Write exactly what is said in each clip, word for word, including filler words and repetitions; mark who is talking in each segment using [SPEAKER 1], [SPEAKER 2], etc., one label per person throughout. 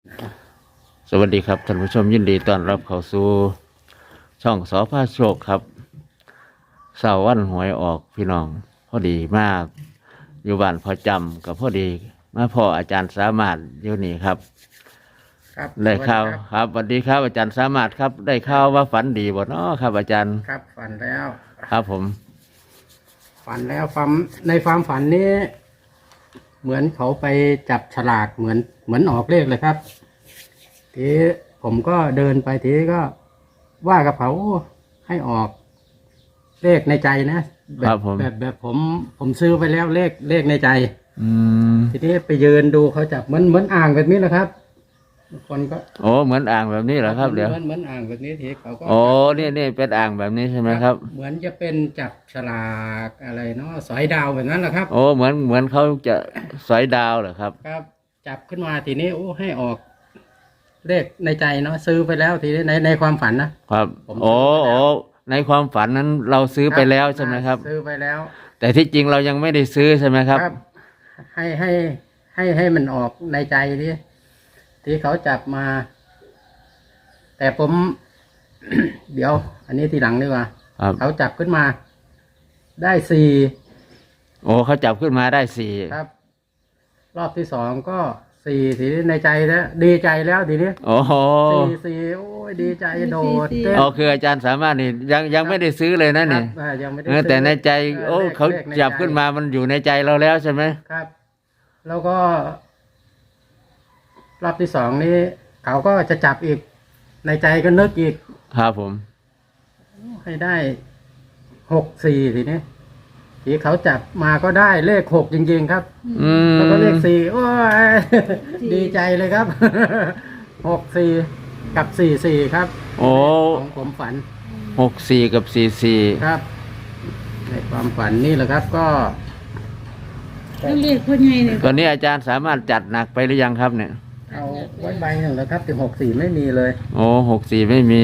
[SPEAKER 1] สวัสดีครับท่านผู้ชมยินดีต้อนรับเข้าสู่ช่องสอพาโชคครับเสาร์วันหวยออกพี่น้องพอดีมากอยู่บ้านพอจำกับพอดีมาพ่ออาจารย์สามารถอยู่นี่ครับ
[SPEAKER 2] ครับ
[SPEAKER 1] ได้ข่าว
[SPEAKER 2] สวัสดี
[SPEAKER 1] ครับสวัสดีครับอาจารย์สามารถครับ ได้ข่าวว่าฝันดีบ่เนาะครับ อาจารย์
[SPEAKER 2] ครับฝันแล้ว
[SPEAKER 1] ครับผม
[SPEAKER 2] ฝันแล้วความในความฝันนี้ เหมือนเขาไปจับฉลากเหมือนเหมือนออกเลขเลยครับทีผมก็เดินไปทีก็ว่ากับเขาให้ออกเลขในใจนะแบ
[SPEAKER 1] ครับ บผม
[SPEAKER 2] แบบแบบผมผมซื้อไปแล้วเลขเลขในใจ
[SPEAKER 1] อืม
[SPEAKER 2] ทีนี้ไปยืนดูเขาจับเหมือนเหมือนอ่างแบบนี้แหละครับคนก็
[SPEAKER 1] โอ้เหมือนอ่างแบบนี้เหรอครับเดี๋ยว
[SPEAKER 2] เหมือนเหมือนอ่างแบบนี้ทีเขาก็
[SPEAKER 1] โอ้นี่นี่เป็นอ่างแบบนี้ใช่ไหมครับ
[SPEAKER 2] เหมือนจะเป็นจับฉลากอะไรเนาะสอยดาวแบบนั้นแหละครับ
[SPEAKER 1] โอ้เหมือนเหมือนเขาจะสอยดาวเหรอครับ
[SPEAKER 2] ครับ จับขึ้นมาทีนี้โอ้ให้ออกเลขในใจเนาะซื้อไปแล้วทีนี้ในในความฝันนะครับ ผมซื้
[SPEAKER 1] โอ้
[SPEAKER 2] อไปแล้ว
[SPEAKER 1] โอ้ในความฝันนั้นเราซื้อไปแล้วใช่ไหมครับ
[SPEAKER 2] ซื้อไปแล้ว
[SPEAKER 1] แต่ที่จริงเรายังไม่ได้ซื้อใช่ไหมครับ
[SPEAKER 2] ให้ให้ให้ให้มันออกในใจที่ที่เขาจับมา แต่ผม เดี๋ยว อันนี้ทีหลังดีกว่า
[SPEAKER 1] ครับ
[SPEAKER 2] เขาจับขึ้นมา ได้สี่
[SPEAKER 1] โอ้เขาจับขึ้นมาได้สี่
[SPEAKER 2] ครับ รอบที่สองก็สี่ทีนี้ในใจแล้วดีใจแล้วทีนี้
[SPEAKER 1] โอ้โห
[SPEAKER 2] สี่สี่โอ้ยดีใจโดดเต้น
[SPEAKER 1] อ๋อคืออาจารย์สามารถนี่ยังยังไม่ได้ซื้อเลยนะนี่
[SPEAKER 2] ครับอ่ายังไม่ได้
[SPEAKER 1] เออ
[SPEAKER 2] ซื้อ
[SPEAKER 1] แต่ในใจ
[SPEAKER 2] เออ
[SPEAKER 1] โอ้
[SPEAKER 2] เลข
[SPEAKER 1] เขา
[SPEAKER 2] เลขใน
[SPEAKER 1] จับ
[SPEAKER 2] ใจ
[SPEAKER 1] ขึ้นมามันอยู่ในใจเราแล้วใช่ไหม
[SPEAKER 2] ครับ แล้วก็ รอบที่สองนี้ เขาก็จะจับอีก ในใจก็นึกอีก
[SPEAKER 1] ครับผม
[SPEAKER 2] ให้ได้หกสี่ทีนี้ทีเขาจับมาก็ได้เลขหกจริง ๆ ครับ
[SPEAKER 1] อืม
[SPEAKER 2] แล้วก็เลขสี่โอ้ย ดีใจเลยครับ หกสี่กับสี่สี่ครับ
[SPEAKER 1] โอ้
[SPEAKER 2] ของผมฝัน
[SPEAKER 1] หกสี่กับสี่สี่
[SPEAKER 2] ครับ ในความฝันนี่แหละครับ ก็
[SPEAKER 3] แล้วเรียกพ่อใหญ่เนี่ย
[SPEAKER 1] ตอนนี้อาจารย์สามารถจัดหนักไปหรือยังครับเนี่ย
[SPEAKER 2] เอาไว้ใบหนึ่งแล้วครับถึงหกสี่ไม่มีเลย
[SPEAKER 1] โอ้หกสี่ไม่มี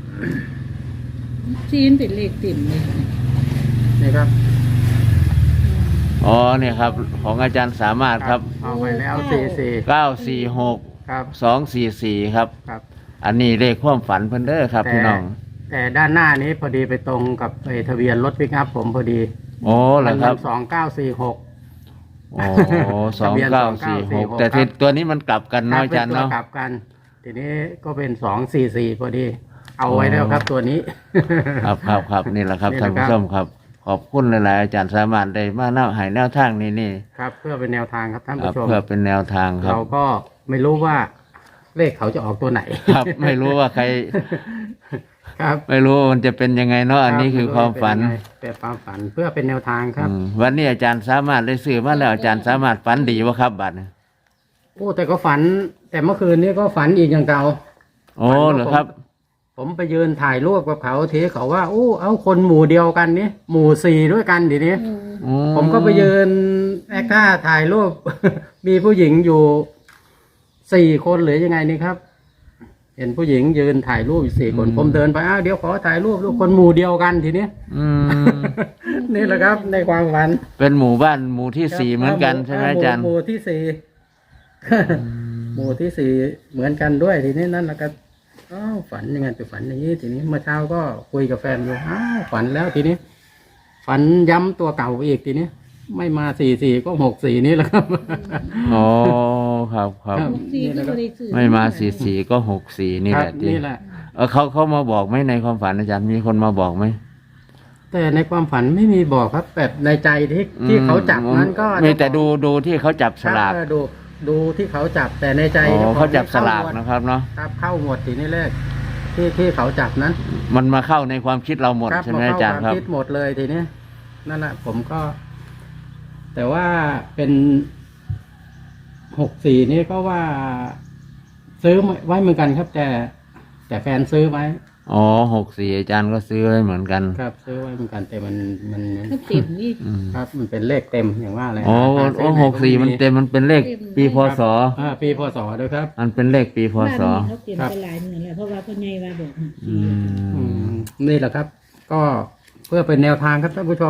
[SPEAKER 3] ซีนเป็นเลขติ่มเลยค่ะ
[SPEAKER 2] นี่ครับ
[SPEAKER 1] อ๋อเนี่ยครับ ของอาจารย์สามารถครับ
[SPEAKER 2] เอาไปแล้วสี่สี่
[SPEAKER 1] เก้าสี่หก
[SPEAKER 2] ครับ
[SPEAKER 1] สองสี่สี่ครับ
[SPEAKER 2] ครับ
[SPEAKER 1] อันนี้เลขความฝันเพิ่นเด้อครับ
[SPEAKER 2] แต่
[SPEAKER 1] พี่น้อง
[SPEAKER 2] แต่ด้านหน้านี้พอดีไปตรงกับไอ้ทะเบียนรถปิกอัพผมพอดี
[SPEAKER 1] โอ้เหรอครับ
[SPEAKER 2] สองเก้าสี่หก
[SPEAKER 1] โอ้สองเก้าสี่หกแต่ที่ตัวนี้มันกลับกันเนาะอาจารย์เนาะ
[SPEAKER 2] กลับกัน ทีนี้ก็เป็นสองสี่สี่พอดี เอาไว้แล้วครับตัวนี้
[SPEAKER 1] ครับครับครับนี่แหละครับ
[SPEAKER 2] นี่แห
[SPEAKER 1] ท่าน
[SPEAKER 2] ละครับ
[SPEAKER 1] ผู้ชมครับ ขอบคุณหลายๆอาจารย์สามารถได้มาแนวให้แนวทางนี้นี่
[SPEAKER 2] ครับ เพื่อเป็นแนวทางครับท่าน
[SPEAKER 1] ครั
[SPEAKER 2] ผู้
[SPEAKER 1] บ
[SPEAKER 2] ชม
[SPEAKER 1] เพื่อเป็นแนวทางครับ
[SPEAKER 2] เราก็ไม่รู้ว่าเลขเขาจะออกตัวไหน
[SPEAKER 1] ครับ ไม่รู้ว่าใคร
[SPEAKER 2] ครับ
[SPEAKER 1] ไม่รู้ว่ามันจะเป็นยังไงเนาะอันนี้คือความฝัน
[SPEAKER 2] เป็นความฝันเพื่อเป็นแนวทางครับ
[SPEAKER 1] อืมวันนี้อาจารย์สามารถได้ซื้อมาแล้วอาจารย์สามารถฝันดีวะครับบัตร
[SPEAKER 2] โอ้แต่ก็ฝัน แต่เมื่อคืนนี้ก็ฝันอีกอย่างเก่า
[SPEAKER 1] โอ้เหรอครับ
[SPEAKER 2] ผมไปยืนถ่ายรูปกับเขาทีเขาว่าโอ้เอาคนหมู่เดียวกันนี่หมู่สี่ด้วยกันทีนี้
[SPEAKER 1] อื
[SPEAKER 2] ผมก็ไปยืนแอคท่าถ่ายรูป มีผู้หญิงอยู่สี่คนหรือยังไงนี่ครับ เห็นผู้หญิงยืนถ่ายรูปอยู่สี่คน ผมเดินไปอ้าวเดี๋ยวขอถ่ายรูปลูกคนหมู่เดียวกันทีนี้
[SPEAKER 1] อืม
[SPEAKER 2] นี่แหละครับ ในความฝัน
[SPEAKER 1] เป็นหมู่บ้านหมู่ที่สี่เหมือนกันใช่ไหมอาจารย์
[SPEAKER 2] หมู่ที่สี่หมู่ที่สี่เหมือนกันด้วยทีนี้นั่นแหละครับอ้าวฝันยังไงไปฝันอย่างนี้ทีนี้เมื่อเช้าก็คุยกับแฟนอยู่อ้าวฝันแล้วทีนี้ ฝันย้ำตัวเก่าอีกทีนี้ ไม่มาสี่สี่ก็หกสี่นี่แหละครับ
[SPEAKER 1] อ๋อครับครับ
[SPEAKER 2] ครับ
[SPEAKER 3] ซีนก็บริสุทธิ์
[SPEAKER 1] ไม่มาสี่สี่ก็หกสี่นี่
[SPEAKER 2] ค
[SPEAKER 1] แห
[SPEAKER 2] รับ
[SPEAKER 1] ละที่
[SPEAKER 2] นี่แหละ
[SPEAKER 1] เออเขาเขามาบอกไหมในความฝันอาจารย์มีคนมาบอกไหม
[SPEAKER 2] แต่ในความฝันไม่มีบอกครับแบบในใจที่ที่เขาจับนั้นก็
[SPEAKER 1] มีแต่ดูดูที่เขาจับสลาก
[SPEAKER 2] ครับดูดูที่เขาจับแต่ในใจ
[SPEAKER 1] อ๋อ
[SPEAKER 2] จ้ข
[SPEAKER 1] เขา
[SPEAKER 2] อง
[SPEAKER 1] จับสลาก
[SPEAKER 2] เข้าหมด
[SPEAKER 1] นะครับเนาะ
[SPEAKER 2] ครับเข้าหมดทีนี้เลขที่ที่เขาจับนั้น
[SPEAKER 1] มันมาเข้าในความคิดเราหมด
[SPEAKER 2] ครับ
[SPEAKER 1] ใช่ไหม
[SPEAKER 2] พ
[SPEAKER 1] อาจารย์
[SPEAKER 2] เข้
[SPEAKER 1] ครับ
[SPEAKER 2] คิดหมดเลยทีนี้นั่นแหละผมก็ แต่ว่าเป็นหกสี่นี่ก็ว่า ซื้อไว้เหมือนกันครับ แต่ แต่แฟนซื้อไว้
[SPEAKER 1] อ๋อหกสี่อาจารย์ก็ซื้อไว้เหมือนกัน
[SPEAKER 2] ครับ ซื้อไว้เหมือนกันแต่มันมัน
[SPEAKER 3] ก็ติ่มนี่
[SPEAKER 1] อืม
[SPEAKER 2] ครับ มันเป็นเลขเต็มอย่างว่าเลย
[SPEAKER 1] อ๋อ
[SPEAKER 2] หาซื้
[SPEAKER 1] โอ้
[SPEAKER 2] ไหน
[SPEAKER 1] หกสี่มันเต็มมันเป็นเลขปีพศ
[SPEAKER 2] อ่าปีพศด้วยครับ
[SPEAKER 1] มันเป็นเลขปีพศ
[SPEAKER 3] บ้านนี้เขาเตรียมไปหลายหมื่นแล้วเพราะว่าพ่อใหญ่ว่าบอก
[SPEAKER 1] อื
[SPEAKER 2] อื
[SPEAKER 1] ม
[SPEAKER 2] มนี่แหละครับ ก็เพื่อเป็นแนวทางครับท่านผู้ชม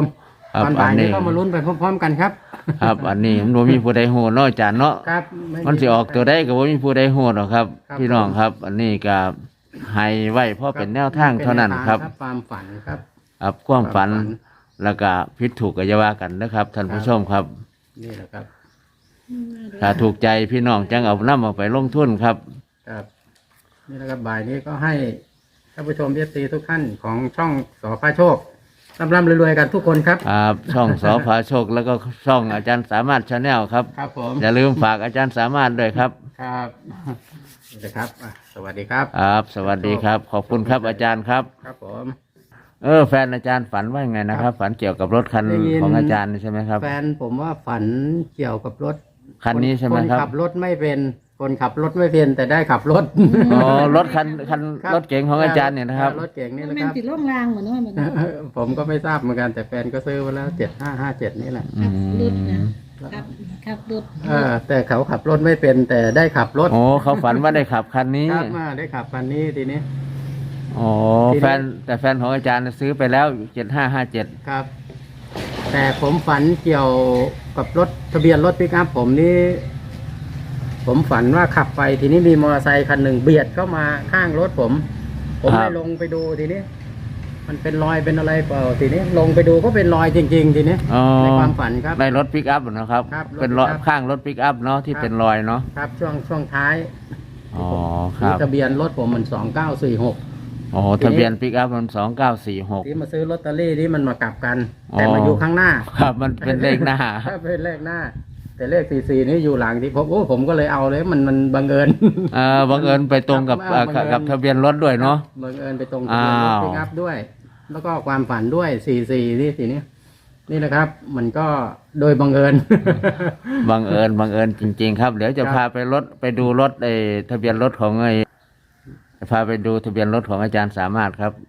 [SPEAKER 1] ครับ
[SPEAKER 2] ตอนบ่าย
[SPEAKER 1] อันนี้
[SPEAKER 2] นี้ก็มาลุ้นไปพร้อมๆกันครับ
[SPEAKER 1] ครับ อันนี้มันบ่มีผู้ใดฮู้เนาะอาจารย์เนาะ
[SPEAKER 2] ครับไ
[SPEAKER 1] มันสิออกตัวใดก็บ่มีผู้ใดฮู้หรอกครับ
[SPEAKER 2] ครับ
[SPEAKER 1] พี่น้องครับ อันนี้ก็ให้ไว้เพราะเป็นแนวทางเท่านั้นครับ
[SPEAKER 2] เป็นแนวทางความฝันครับ
[SPEAKER 1] ครับความฝัน
[SPEAKER 2] ความฝัน
[SPEAKER 1] แล้วก็ผิดถูกก็อย่าว่ากันนะครับท่านผู้ชมครับ
[SPEAKER 2] นี่แหละครับ
[SPEAKER 1] ถ้าถูกใจพี่น้องจังเอานำเอาไปลงทุนครับ
[SPEAKER 2] ครับ นี่แหละครับบ่ายนี้ก็ให้ท่านผู้ชมเอฟซีทุกท่านของช่องสอพาโชคร่ำร่ำรวยๆกันทุกคนครับ
[SPEAKER 1] ครับช่องสอพาโชคแล้วก็ช่องอาจารย์สามารถชาแนลครับ
[SPEAKER 2] ครับผม
[SPEAKER 1] อย่าลืมฝากอาจารย์สามารถด้วยครับ
[SPEAKER 2] ครับนี่นะครับอ่ะสวัสดีครับ
[SPEAKER 1] ครับ สวัสดีครับ ขอบคุณครับอาจารย์ครับ
[SPEAKER 2] ครับผม
[SPEAKER 1] เออแฟนอาจารย์ฝันว่าไงนะครับ ฝันเกี่ยวกับรถคัน
[SPEAKER 2] ได้ยิน
[SPEAKER 1] ของอาจารย์ใช่ไหมครับ
[SPEAKER 2] แฟนผมว่าฝันเกี่ยวกับรถ
[SPEAKER 1] คันนี้ใช่ไหมครับ
[SPEAKER 2] คนขับรถไม่เป็น คนขับรถไม่เป็นแต่ได้ขับรถ
[SPEAKER 1] อ๋อรถคันคัน
[SPEAKER 2] ครับ
[SPEAKER 1] รถเก๋งของอาจารย์เนี่ยนะครับ
[SPEAKER 2] รถเก่งนี่แหละ
[SPEAKER 3] แม่
[SPEAKER 2] คน รับ
[SPEAKER 3] ติดล่องรางเหมือนว่ามัน
[SPEAKER 2] ผมก็ไม่ทราบเหมือนกันแต่แฟนก็ซื้อมาแล้วเจ็ดห้าห้าเจ็ดนี่แหละ
[SPEAKER 3] ขับรถนะครับขับรถ
[SPEAKER 2] เออแต่เขาขับรถไม่เป็นแต่ได้ขับรถ
[SPEAKER 1] โอ้เขาฝันว่าได้ขับคันนี้
[SPEAKER 2] ครับมาได้ขับคันนี้ทีนี้
[SPEAKER 1] อ๋อ
[SPEAKER 2] ทีนี้
[SPEAKER 1] แฟนแต่แฟนของอาจารย์ซื้อไปแล้วเจ็ดห้าห้าเจ็ด
[SPEAKER 2] ครับ แต่ผมฝันเกี่ยวกับรถทะเบียนรถปิกอัพผมนี่ผมฝันว่าขับไปทีนี้มีมอเตอร์ไซค์คันหนึ่งเบียดเข้ามาข้างรถผม ผมเลยลงไปดูทีนี้ มันเป็นรอยเป็นอะไรเปล่าทีนี้ลงไปดูก็เป็นรอยจริง ๆ ทีนี้
[SPEAKER 1] อ๋อ
[SPEAKER 2] ในความฝันครับ
[SPEAKER 1] ในรถปิกอัพนะครับ
[SPEAKER 2] ครับรถ
[SPEAKER 1] เป็นรอย
[SPEAKER 2] ปิกอัพ
[SPEAKER 1] ข้างรถปิกอัพเนาะที่
[SPEAKER 2] ครับ
[SPEAKER 1] เป็นรอยเนาะ
[SPEAKER 2] ครับ ช่วงช่วงท้าย
[SPEAKER 1] อ๋อครับ
[SPEAKER 2] ทะเบียนรถผมมันสองเก้าสี่หก
[SPEAKER 1] อ๋อทะเบียนปิกอัพมันสองเก้าสี่หก
[SPEAKER 2] ที่มาซื้อลอตเตอรี่ที่มันมากลับกัน
[SPEAKER 1] อ๋อ
[SPEAKER 2] แต่มาอยู่ข้างหน้า
[SPEAKER 1] ครับมันเป็นเลขหน้า
[SPEAKER 2] ครับเป็นเลขหน้า แต่เลขสี่สี่นี่อยู่หลังที่ผมโอ้ผมก็เลยเอาเลยมันมันบังเอิญ
[SPEAKER 1] เออบังเอิญไปตรงกับ
[SPEAKER 2] ครับ
[SPEAKER 1] เอ่อกับ
[SPEAKER 2] บังเอิญ
[SPEAKER 1] กับทะเบียนรถด้วยเนาะ
[SPEAKER 2] บังเอิญไปตรงทะเบียนรถ
[SPEAKER 1] อ้าว
[SPEAKER 2] ปิกอัพด้วย แล้วก็ความฝันด้วยสี่สี่นี่ทีนี้นี่นะครับ มันก็โดยบังเอิญ
[SPEAKER 1] บังเอิญบังเอิญจริง ๆ ครับ เดี๋ยวจะ
[SPEAKER 2] ครับ
[SPEAKER 1] พาไปรถไปดูรถไอ้ทะเบียนรถของไอ้จะพาไปดูทะเบียนรถของอาจารย์สามารถครับ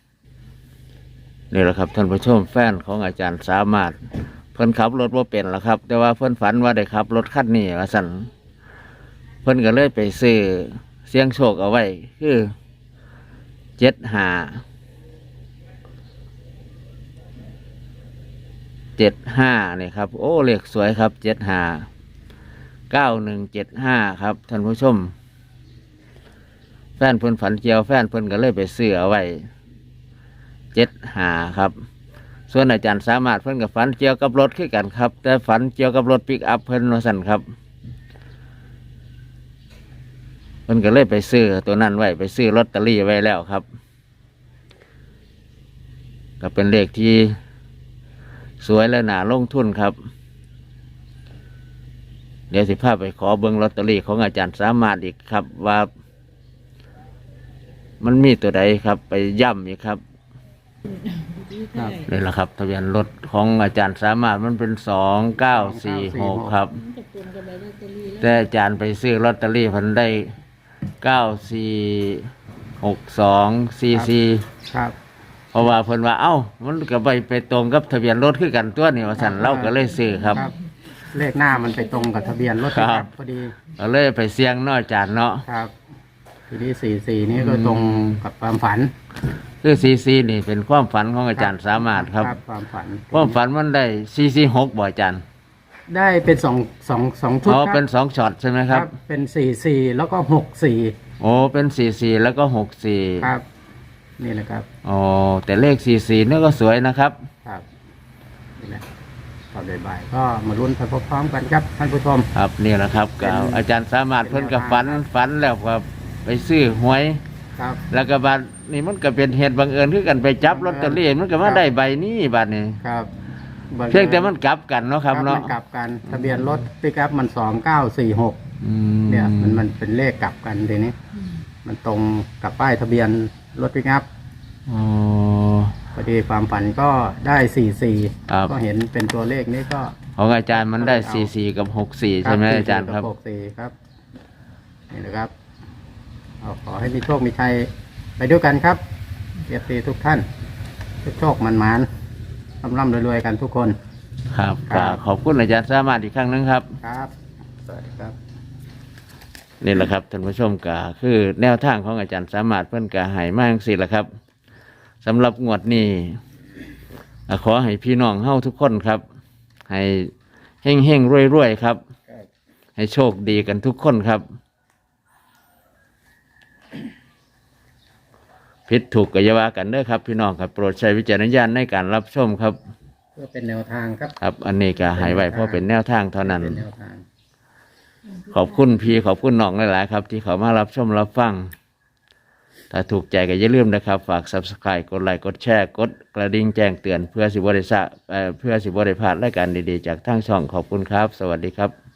[SPEAKER 1] นี่แหละครับท่านผู้ชมแฟนของอาจารย์สามารถ เพิ่นขับรถว่าเป็นแล้วครับ แต่ว่าเพิ่นฝันว่าได้ขับรถคันนี้ว่าสั่นเพิ่นก็เลยไปซื้อเสียงโชคเอาไว้คือเจ็ดห้าเจ็ดห้านี่ครับ โอ้เลขสวยครับเจ็ดห้าเก้าหนึ่งเจ็ดห้าครับท่านผู้ชม แฟนเพิ่นฝันเกี่ยวแฟนเพิ่นก็เลยไปซื้อเอาไว้เจ็ดห้าครับ ส่วนอาจารย์สามารถเพิ่นกับฝันเกี่ยวกับรถคือกันครับ แต่ฝันเกี่ยวกับรถปิกอัพเพิ่นว่าสั่นครับเพิ่นก็เลยไปซื้อตัวนั้นไว้ไปซื้อลอตเตอรี่ไว้แล้วครับ ก็เป็นเลขที่สวยและน่าลงทุนครับ เดี๋ยวสิพาไปขอเบิ่งลอตเตอรี่ของอาจารย์สามารถอีกครับ ว่า มันมีตัวใดครับ ไปย่ำอีกครับ
[SPEAKER 3] ครับ
[SPEAKER 1] นี่แหละครับทะเบียนรถของอาจารย์สามารถมันเป็นสองเก้าสี่หกครับ
[SPEAKER 3] จะปนกับใบลอตเตอรี่แล้ว
[SPEAKER 1] แต่อาจารย์ไปซื้อลอตเตอรี่เพันได้เก้าสี่หกสองสี่สี่
[SPEAKER 2] ครับ
[SPEAKER 1] เพราะว่าเพิ่นว่าเอ้ามันก็ไปไปตรงกับทะเบียนรถคือกันตัวนี่ว่าสั่นเราก็เลยซื้อครับ
[SPEAKER 2] เลขหน้ามันไปตรงกับทะเบียนรถ
[SPEAKER 1] ครับ
[SPEAKER 2] พอดี
[SPEAKER 1] ก็เลยไปเสี่ยงเน้อยอาจารย์เนาะ
[SPEAKER 2] ครับ ทีนี้สี่สี่นี่ก็ตรงกับความฝัน
[SPEAKER 1] คือซีซีนี่เป็นความฝันของอาจารย์สามารถครับ
[SPEAKER 2] ความฝัน
[SPEAKER 1] ความฝันมันได้ซีซีหกบ่อาจารย์
[SPEAKER 2] ได้เป็นสองสองสองชุด
[SPEAKER 1] อ๋อ
[SPEAKER 2] ครับ
[SPEAKER 1] เป็นสองช็อตใช่ไหมครับ
[SPEAKER 2] เป็นสี่สี่แล้วก็หกสี่
[SPEAKER 1] โอ้เป็นสี่สี่แล้วก็หกสี่
[SPEAKER 2] ครับ นี่แหละครับ
[SPEAKER 1] อ๋อแต่เลขสี่สี่นี่ก็สวยนะครับ
[SPEAKER 2] ครับนี่แหละตอนบ่ายๆก็มาลุ้นไปพร้อมๆกันครับท่านผู้ชม
[SPEAKER 1] ครับนี่แหละครับ
[SPEAKER 2] เป็น
[SPEAKER 1] ก็อาจารย์สามารถ
[SPEAKER 2] เป็น
[SPEAKER 1] เพิ่นกับ
[SPEAKER 2] แนวทาง
[SPEAKER 1] ฝัน
[SPEAKER 2] ครับ
[SPEAKER 1] ฝันแล้วก็ไปซื้อหวย
[SPEAKER 2] ครับ
[SPEAKER 1] แล้วก็บัดนี่มันก็เป็นเหตุบังเอิญคือกันไปจับลอตเตอรี่มันก็มาได้ใบนี้บัดนี้
[SPEAKER 2] ครับ
[SPEAKER 1] เพียงแต่มันกลับกันเนาะครับ
[SPEAKER 2] มั
[SPEAKER 1] เนาะ
[SPEAKER 2] นกลับกันทะเบียนรถปิกอัพมันสองเก้าสี่หก
[SPEAKER 1] อืม
[SPEAKER 2] เนี่ยมันมันเป็นเลขกลับกันทีนี้ มันตรงกับป้ายทะเบียนรถปิกอัพ
[SPEAKER 1] อ๋อ
[SPEAKER 2] พอดีความฝันก็ได้สี่สี่
[SPEAKER 1] ครับ
[SPEAKER 2] ก็เห็นเป็นตัวเลขนี้ก็
[SPEAKER 1] ของอาจารย์มันได้สี่สี่กับหกสี่ใช่ไหมอาจารย์ครับ
[SPEAKER 2] หกสี่ครับนี่นะครับเอาขอให้มีโชคมีชัยไปด้วยกันครับเอฟซีทุกท่านทุกโชคมันมานร่ำร่ำรวยๆกันทุกคน
[SPEAKER 1] ครับ
[SPEAKER 2] ครั
[SPEAKER 1] ก็
[SPEAKER 2] บ
[SPEAKER 1] ขอบคุณอาจารย์สามารถอีกครั้งหนึงครับ
[SPEAKER 2] ครับ สวัสดีครับ
[SPEAKER 1] นี่แหละครับท่านผู้ชมก็คือแนวทางของอาจารย์สามารถเพิ่นก็ให้มาจังซี่แหละครับสำหรับงวดนี้อ่ะขอให้พี่น้องเฮาทุกคนครับ ให้เฮงเฮงรวยรวยๆครับ
[SPEAKER 2] ครับ
[SPEAKER 1] ให้โชคดีกันทุกคนครับผิดถูกก็อย่าว่ากันเด้อครับพี่น้องครับโปรดใช้วิจารณญาณในการรับชมครับ
[SPEAKER 2] เพื่อเป็นแนวทางครับ
[SPEAKER 1] ครับ อันนี้ก็ใหายไว้เพราะเป็นแนวทางเท่านั้น
[SPEAKER 2] เป็นแนวทาง
[SPEAKER 1] ขอบคุณพี่ขอบคุณน้องหลายๆครับ ที่เขามารับชมรับฟัง ถ้าถูกใจก็อย่าลืมนะครับ ฝาก ซับสไครบ์ กดไลค์กดแชร์กดกระดิ่งแจ้งเตือนเพื่อสิบริษัทเพื่อสิบริพลาดรายการดีๆจากทางช่องขอบคุณครับ สวัสดีครับ